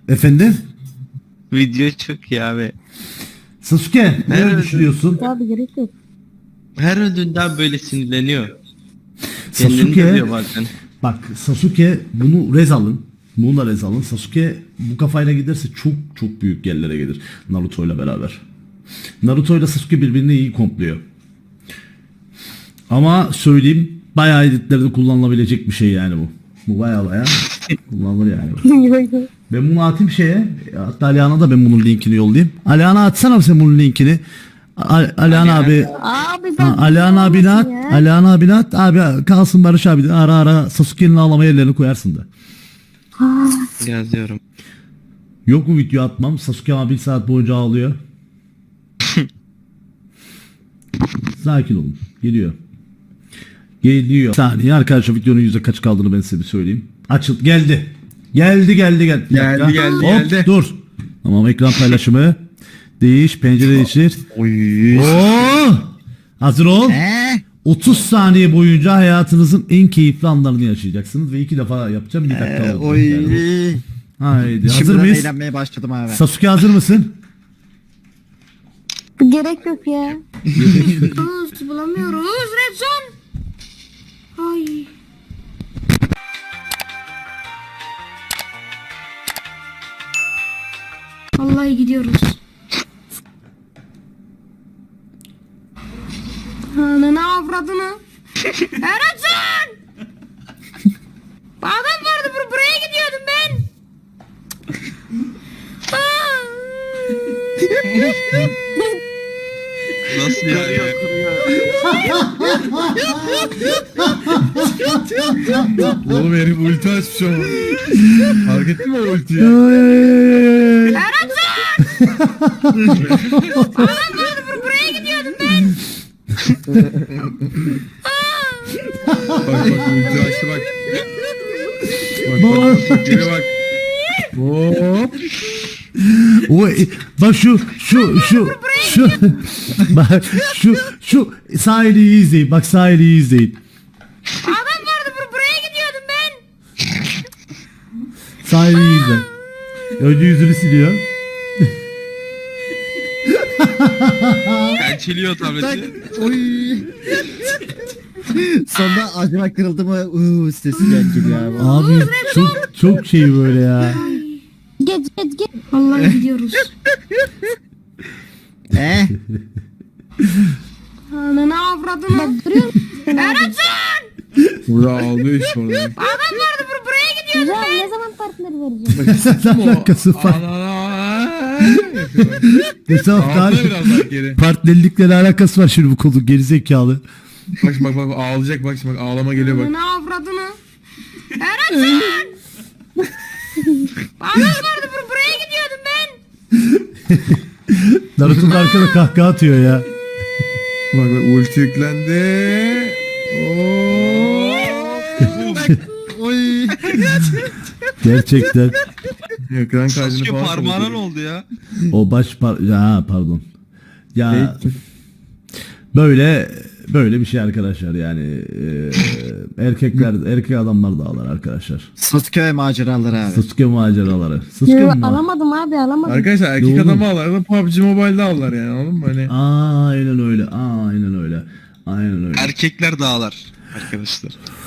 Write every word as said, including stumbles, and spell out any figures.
Efendim? Video çok iyi abi. Sasuke ne Evet. düşünüyorsun? Abi gerek yok. Her öldüğünden böyle sinirleniyor. Kendini Sasuke dövüyor bazen. bak Sasuke bunu rez alın. Bunu da rez alın. Sasuke bu kafayla giderse çok çok büyük yerlere gelir. Naruto ile beraber. Naruto ile Sasuke birbirini iyi kompluyor. Ama söyleyeyim bayağı editlerde kullanılabilecek bir şey yani bu. Bu bayağı bayağı kullanılır yani. Yok yok. Ben bunu atayım şeye. Hatta Alihan'a da ben bunun linkini yollayayım. Alihan'a atsana sen bunun linkini. Al- Alihan abi. Abi ben Ha, Alihan abine at. ya. Alihan abine at. Abi kalsın Barış abi de ara ara Sasuke'nin ağlama yerlerini koyarsın da. Yazıyorum. Yok mu video atmam? Sasuke abi bir saat boyunca ağlıyor. Sakin olun. Geliyor. Geliyor. Bir saniye arkadaşlar videonun yüzde kaç kaldığını ben size bir söyleyeyim. Açıl. Geldi. Geldi geldi geldi. Bir Geldi, dakika. geldi, Hop, geldi. dur. Tamam ekran paylaşımı. Değiş. Pencere değiştir. Oy. Oo! Hazır ol. Eee? otuz saniye boyunca hayatınızın en keyifli anlarını yaşayacaksınız ve iki defa yapacağım bir dakika Ee, oldu. oy. Yani bu. Haydi hazır Şimdiden mıyız? eğlenmeye başladım abi. Sasuke hazır mısın? Gerek yok ya. Kız bulamıyoruz. Red zone. Ay. Vallahi gidiyoruz. Ananı avradını. Erencan! Adam vardı bur buraya gidiyordum ben. Nasıl yani? Oğlum herif ulti açmış ama. Fark ettin mi o ultiyi? Adam vardı bur buraya gidiyordum ben. Bak bak ulti açtı bak. Bak bak bak geri bak. Hop. O bak şu şu şu şu bak şu şu sahiliyi izleyin. Bak sahiliyi izleyin. Adam vardı bur buraya gidiyordum ben. Sahiliyi izle. Önce yüzünü siliyor. Pençeliyor Tak. tableti. Oy. Sonra acaba kırıldı mı? Uuu sesi geliyor abi. Abi çok çok şey böyle ya. Geç geç geç. Vallahi gidiyoruz. Eee? Ananı avradını. Bak duruyor musun? Erencan! Burada ağlıyor işte orada. Adam vardı bur buraya gidiyordum ben. Ne zaman partner vereceğim? Ne alakası var? Geçen hafta Ağlıyor biraz bak geri. partnerlikle ne alakası var şimdi bu konu gerizekalı. Bak şimdi bak bak ağlayacak bak şimdi bak ağlama geliyor bak. Ananı avradını. Erencan! Adam vardı bur buraya gidiyordum ben. Naruto'nun arkada kahkaha atıyor ya. Bak bak ulti yüklendi. Oo. Oy. Gerçekten. Ekran kaydını Sasuke falan parmağına ne kapatıyor. oldu ya? O baş par ya pardon. Ya böyle böyle bir şey arkadaşlar yani e, erkekler erkek adamlar da ağlar arkadaşlar. Sasuke ve maceraları abi. Sasuke maceraları. Sasuke Yo, mi? alamadım abi alamadım. Arkadaşlar erkek Doğru. adamı ağlar da P U B G Mobile'da ağlar yani anladın mı? Hani Aynen öyle. Aynen öyle. Aynen öyle. Erkekler dağlar arkadaşlar.